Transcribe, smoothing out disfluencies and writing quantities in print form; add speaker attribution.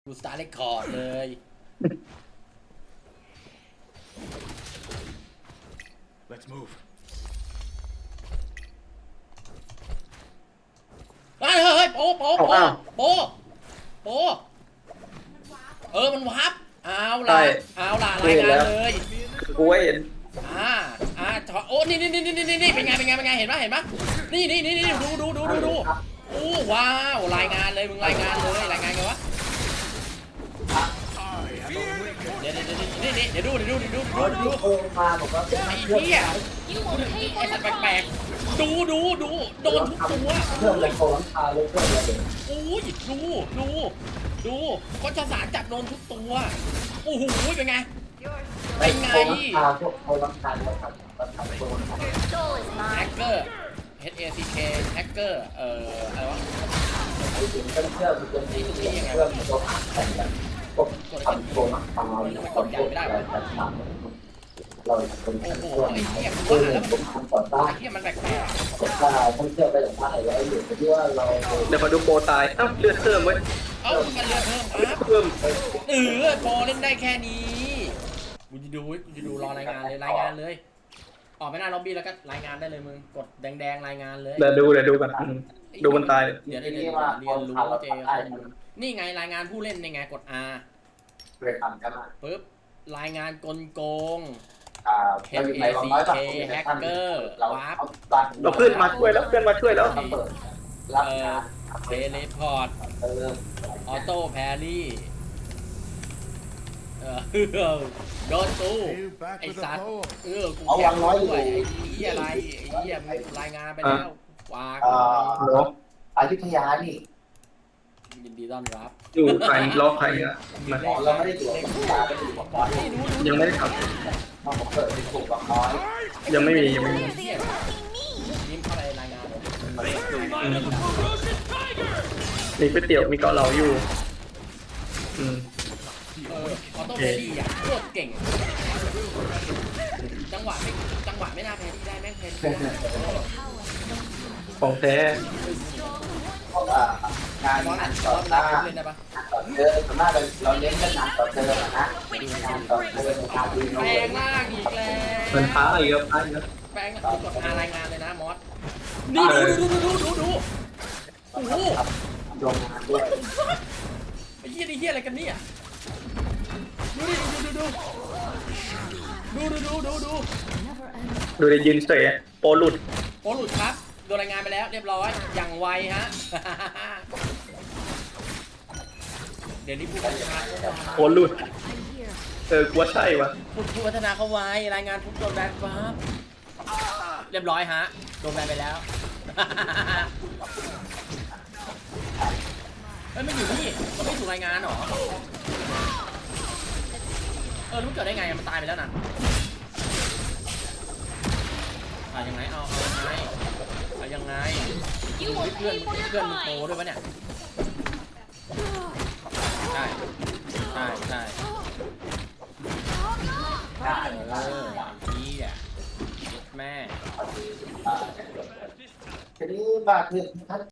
Speaker 1: กูสตาร์เรคคอร์ดเลย
Speaker 2: Let's move.
Speaker 1: เฮ้ยโป๊ะมันวับเอาล่ะรายงานเลย
Speaker 3: กูเห็น
Speaker 1: โอ้นี่เป็นไงเห็นปะนี่ดูโอ้ว้าวรายงานเลยมึงรายงานไงวะเดี๋ยวดู
Speaker 3: มาบอกว่า
Speaker 1: ไอ้เหี้ยไอ้สัตว์แปลกๆดูโดนทุกตัว
Speaker 3: เครื่องเลยโคลังคาเลยเครื่องเลย
Speaker 1: โอ้ยดูก็จะสารจับโดนทุกตัวโอ้โหเป็นไง
Speaker 3: คาพวกโคลังคาแล้วทำตัว
Speaker 1: แฮกเกอร์ HACK แฮกเกอร์อะไรวะ
Speaker 3: ไอ้สิ่งเครื่องมันจะมีเครื่องมันจะแต่งกันพวกทำโคลังคาเราเป็นตัวไหนคือผมทำต่อต้าน
Speaker 1: ไอ้เหี้ยมันแปลก
Speaker 3: กดได้ต้องเชื่อไปจากบ้านแล้วอยู่ที่ว่าเรา
Speaker 4: เดี๋ยวมาดูโปรตายเลือดเพิ่มไว้
Speaker 1: ๆมันเลือดเพิ่มครับ
Speaker 4: เพิ่ม
Speaker 1: พอเล่นได้แค่นี้กูจะดูรอรายงานเลยออกไปหน้าล็อบบี้แล้วก็รายงานได้เลยมึงกดแดงรายงานเลย
Speaker 4: เดี๋ยวดูกันดูมันตาย
Speaker 1: เดี๋ยวเรียนรู้เจนี่ไงรายงานผู้เล่นนี่ไงกด R
Speaker 3: เคยทำกันมา
Speaker 1: ปึ๊บรายงานกลโกง
Speaker 3: HACK
Speaker 1: แฮกเกอร์วาร์ป
Speaker 4: เราเพื่อนมาช่วยแล้วรับงาน
Speaker 1: เทเลพอร์ตออโต้แพรี่โดนตู้
Speaker 2: You back
Speaker 1: ไอ้
Speaker 2: with
Speaker 1: สัต
Speaker 2: a
Speaker 1: ว์
Speaker 2: poem.
Speaker 1: กูแข็งด้วยไอ้เหี้ยอะไรไอ้เหี้ยรายงานไปแล้ววาง
Speaker 4: เนาะ
Speaker 3: อยุธยานี่
Speaker 1: ยินดีต้อนรับ
Speaker 4: อยู่ใครล็อกใครอ่ะมัน
Speaker 3: เราไม่ได้ตรวจอยุธยาไม่ได้ตรวจบอล
Speaker 4: ยังไม่ได้ท
Speaker 3: เราเปิดเป็นกลุ่มบางน้อย
Speaker 4: ำยังไม่มี
Speaker 1: ยิ้มเข้าไปรายงานเลย
Speaker 4: มีก๋วยเตี๋ยวมีเกาเหลาอยู่
Speaker 1: ออโต้แพรี่อ่ะโคตรเก่งจังหวะไม่น่าแพรี่ได้แม่งแพรี่ได้
Speaker 4: ของแท้
Speaker 3: เพราะงาน
Speaker 1: บอล
Speaker 3: งา
Speaker 1: อ่ะ
Speaker 3: น
Speaker 1: บ
Speaker 3: ต่
Speaker 1: อ
Speaker 3: อ
Speaker 1: ล
Speaker 3: ต้า
Speaker 1: เล่นได้ปะ
Speaker 3: ต่อเจอส่วนมากเราเน้นกันงานต่อเจอนะงานต่อเจองานดี
Speaker 1: แปลงล่างอีกแล้ว
Speaker 4: มันท้าอีกครับท้าอีกแล้ว
Speaker 1: แปลงกดรายงานเลยนะมอสนี่ดูโอ้โห
Speaker 3: ลงงานด้วย
Speaker 1: ไอ้เหี้ยอะไรกันเนี่ยดู
Speaker 4: ดูได้ยืนเฉยโปรหลุด
Speaker 1: โอ้หลุดครับโดนรายงานไปแล้วเรียบร้อยอย่างไวฮะเดี๋ยวนี้ผู้พัฒนา
Speaker 4: โปรหลุดกลัวใช่วะ
Speaker 1: ผู้พัฒนาเขาไว้รายงานผู้โดนแบนปั๊บเรียบร้อยฮะโดนแบนไปแล้วเฮ้ยมันอยู่นี่มันไม่ถูกรายงานหรอแล้วมันเกิดได้ไงมันตายไปแล้วนะยังไงเอายังไงเพื่อนมันโตด้วยปะเนี่ยใช่พี่อ่ะแม่
Speaker 3: ทีนี้บ้านคือ